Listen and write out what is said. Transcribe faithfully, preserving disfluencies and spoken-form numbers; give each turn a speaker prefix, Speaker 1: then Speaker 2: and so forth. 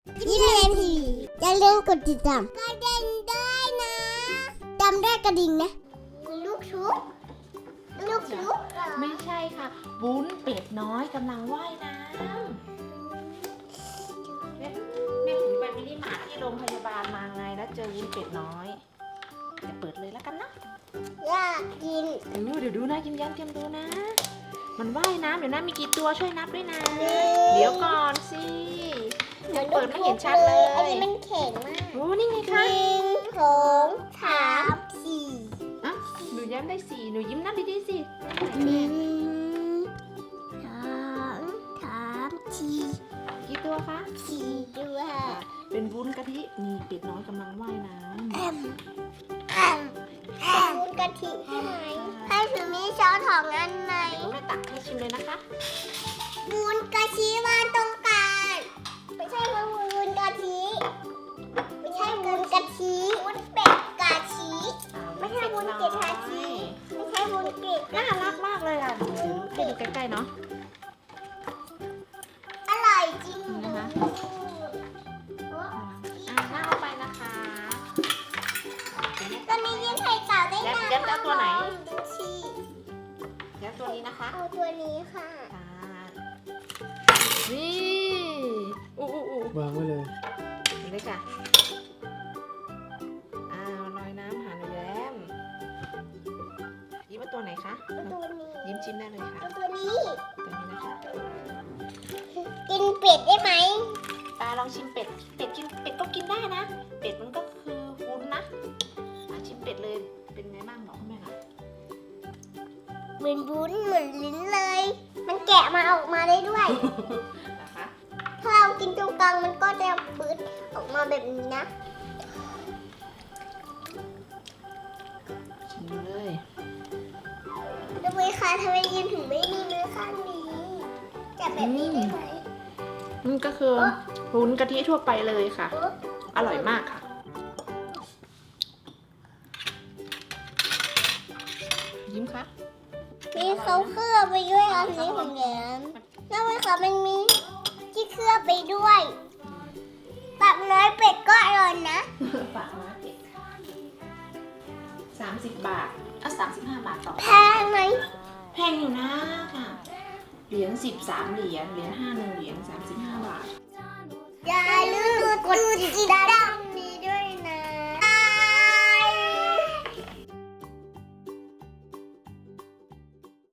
Speaker 1: ยิ้มเรียนทีอย่าลืมกดติดตามกระดิ่งด้วยนะจำได้กระดิ่งนะลูกชุบลูกชุบ
Speaker 2: ไม่ใช่ค่ะวุ้นเป็ดน้อยกำลังว่ายน้ำแม่แม่ถือไปมินิมาร์ทที่โรงพยาบาลมาไงแล้วเจอวุ้นเป็ดน้อยจะเปิดเลยแล้วกันนะ
Speaker 1: อยากกิน
Speaker 2: เออเดี๋ยวดูนะยิ้มแย้มเตรียมดูนะ มันว่ายน้ำเดี๋ยวนะมีกี่ตัวช่วยนับด้วยนะ เดี๋ยวก่อนสิยังเปิดไม่เห็นชัดเลย
Speaker 1: อันนี้มันแข็งมาก
Speaker 2: โอ้นี่ไง
Speaker 1: ห
Speaker 2: คะ
Speaker 1: นึ่งสองสามสี่
Speaker 2: อ่ะหนูแย้มได้สี่หนูยิ้มนับดีๆสิ
Speaker 1: หนึ่งสองสามสี่
Speaker 2: กี่ตัวคะ
Speaker 1: สี่ตัว
Speaker 2: เป็นวุ้นกะทินี่เป็ดน้อยกำลังว่ายน้ำ
Speaker 1: แอมแอมแอมวุ้นกะทิใช่ไหมให้ถือมีช้อนของอันไหน
Speaker 2: เดี๋ยวแม่ตักให้ชิมเลยนะคะ
Speaker 1: วุ้นกะทิวางตรงกลางไม่ใช่วุ้นกะทิไม่ใช่วุ้นกะทิวุ้นเป็ดกะทิไม่ใช่วุ้นเป็ดกะทิไม่ใช่วุ้นเป็ด
Speaker 2: น่ารักมากเลยอ่ะเดี๋ยวให้ดูใกล้ๆเนาะ
Speaker 1: อร่อยจริง
Speaker 2: นี่นะคะ อ่ะน่าเอาไปนะคะ
Speaker 1: ตอนนี้ยิ้มไข่เต่าได้
Speaker 2: แย้ม
Speaker 1: นะ
Speaker 2: แย้มจะเอาตัวไหน
Speaker 1: ดูสิ
Speaker 2: แล้วตัวนี้นะคะ
Speaker 1: เอาตัวนี้ค่ะ
Speaker 2: ค่ะนี่อู้อู้อู้
Speaker 3: วางไว้เลย
Speaker 2: นี่เลยค่ะอ้าวลอยน้ำหาหนูแย้มยิ้มว่าตัวไหนคะ
Speaker 1: เอาตัวนี้
Speaker 2: ยิ้มชิมได้เลยค่ะ
Speaker 1: เอาตัวนี้
Speaker 2: ตัวนี้นะคะ
Speaker 1: กินเป็ดได้ไหม
Speaker 2: ตาลองชิมเป็ด เป็ดกินเป็ดก็กินได้นะ เป็ดมันก็คือวุ้นนะอ่ะชิมเป็ดเลย เป็นไงบ้างบอกคุณแม่ค่ะ
Speaker 1: เหมือนวุ้นเหมือนลิ้นเลย มันแกะมาออกมาได้ด้วย
Speaker 2: นะคะ
Speaker 1: ถ้าเรากินตรงกลางมันก็จะปืดออกมาแบบนี้นะ
Speaker 2: ชิมเลย
Speaker 1: ทำไมคะทำไมยิ้มถึงไม่มีมือข้างนี้จับแบบนี้ได้ไหม
Speaker 2: นี่ก็คือวุ้นกะทิทั่วไปเลยค่ะ
Speaker 1: โอ๊ะ
Speaker 2: อร่อยมากค่ะ ยิ้มคะ
Speaker 1: มีเขาเคลือบไปด้วยอันนี้ของแย้มแล้วไหมคะมันมีที่เคลือบไปด้วยปักน้อยเป็ดก็อร่อยนะ
Speaker 2: ฝากมาเป็ดสามสิบบาทอ่ะสามสิบห้าบาทต่อ
Speaker 1: แพงไหม
Speaker 2: แพงอยู่นะค่ะ เหรียญสิบสามเหรียญ เหรียญห้าหนึ่งเหรียญสามสิบห้าบาท
Speaker 1: อย่าลืมกดติดตาม